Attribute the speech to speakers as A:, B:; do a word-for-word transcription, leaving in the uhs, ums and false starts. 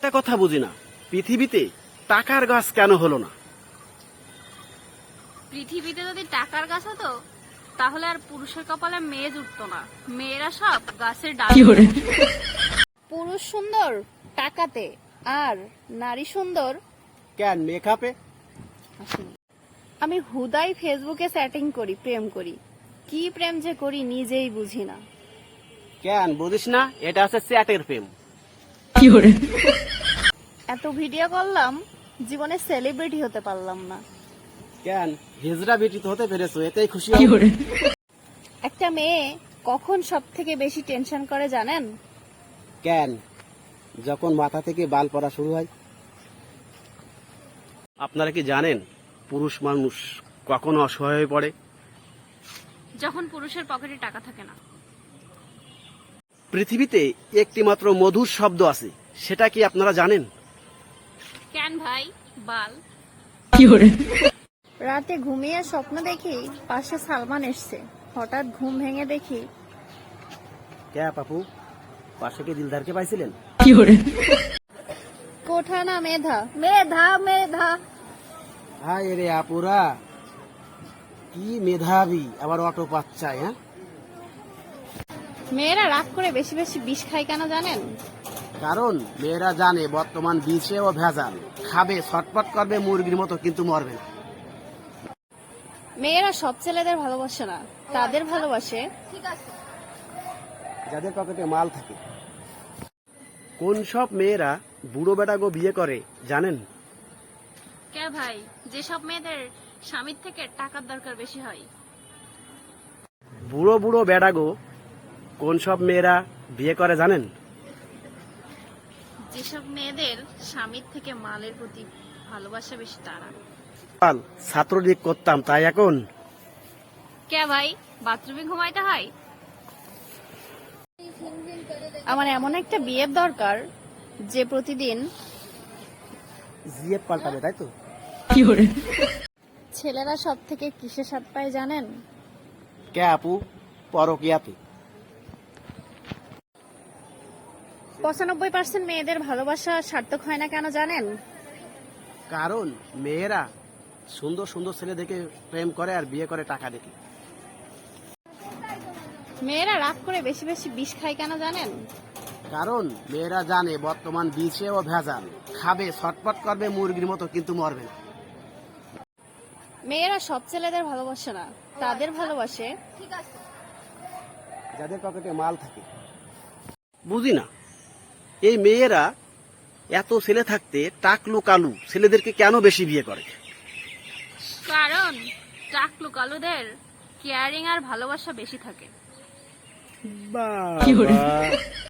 A: একটা কথা বুঝি না, পৃথিবীতে টাকার গাছ কেন হলো না?
B: পৃথিবীতে যদি টাকার গাছ হতো তাহলে আর পুরুষের কপালে মেয়ে জুটতো না, মেয়েরা সব গাছের ডাল। পুরুষ সুন্দর টাকাতে আর নারী সুন্দর
A: কেন মেকআপে?
B: আমি হুদাই ফেসবুকে চ্যাটিং করি, প্রেম করি, কি প্রেম যে করি নিজেই বুঝি না।
A: কেন বুঝিস না? এটা আছে চ্যাটের প্রেম।
B: এত ভিডিও করলাম, জীবনে সেলিব্রিটি হতে পারলাম না।
A: কেন হিজড়া বেটি তো হতে পেরেছো, এতেই খুশি হও।
B: একটা মেয়ে কখন সব থেকে বেশি টেনশন করে জানেন?
A: কেন? যখন মাথা থেকে বাল পড়া শুরু হয়। আপনারা কি জানেন পুরুষ মানুষ কখন অসহায় হয়ে পড়ে?
B: যখন পুরুষের পকেটে টাকা থাকে না।
A: পৃথিবীতে একটি মাত্র মধুর শব্দ আছে, সেটা কি আপনারা জানেন?
B: কেন ভাই? বাল। রাতে ঘুমিয়ে স্বপ্ন দেখি পাশে সালমান এসছে, হঠাৎ ঘুম ভেঙে দেখি
A: কে পাপু, পাশে কি দিলদারকে পাইছিলেন?
B: কোঠা না মেধা, মেধা মেধা।
A: হায় রে আপুরা, কি মেধাবী, আবার অটো পাচ্ছায়। হ্যাঁ,
B: মেয়েরা রাগ করে বেশি বেশি বিষ খায় কেন জানেন?
A: কারণ মেয়েরা জানে বর্তমান বিষে ও ভেজাল, খাবে ছটপট করবে মুরগির মতো, কিন্তু মরবে না।
B: মেয়েরা সব ছেলেদের ভালোবাসে না, তাদের ভালোবাসে
A: যাদের পকেটে মাল থাকে। কোন সব মেয়েরা বুড়ো বেটাগো বিয়ে করে জানেন?
B: কে ভাই? যেসব মেয়েদের স্বামীর থেকে টাকার দরকার বেশি হয়।
A: বুড়ো বুড়ো বেটাগো কোন সব মেয়েরা বিয়ে করে জানেন?
B: যেসব মেয়েদের স্বামীর থেকে মালের প্রতি ভালোবাসা বেশি তারা।
A: কাল ছাত্রলীগ করতাম, তাই এখন
B: কে ভাই? বাথরুমে ঘুমাইতে হয়। আমার এমন একটা বিয়ের দরকার যে প্রতিদিন
A: জিএফ পাল্টাবে, তাই তো?
B: ছেলেরা সব থেকে কিসে স্বাদ পায় জানেন?
A: কে আপু? পরকিয়াতে।
B: পঁচানব্বই পার্সেন্ট মেয়েদের ভালোবাসা সার্থক হয় না কেন জানেন?
A: কারণ মেয়েরা সুন্দর সুন্দর ছেলে দেখে প্রেম করে আর বিয়ে করে টাকা দেখে।
B: মেয়েরা রাগ করে বেশি বেশি বিষ খায় কেন জানেন?
A: কারণ মেয়েরা জানে বর্তমান বিষে ও ভেজাল, খাবে ছটপট করবে মুরগির মতো, কিন্তু মরবে না।
B: মেয়েরা সব ছেলেদের ভালোবাসে না, তাদের ভালোবাসে
A: যাদের পকেটে মাল থাকে। বুঝি না, এই মেয়েরা এত ছেলে থাকতে টাকলু কালু ছেলেদেরকে কেন বেশি বিয়ে করে?
B: কারণ টাকলু কালুদের কেয়ারিং আর ভালোবাসা বেশি থাকে।
A: বাবা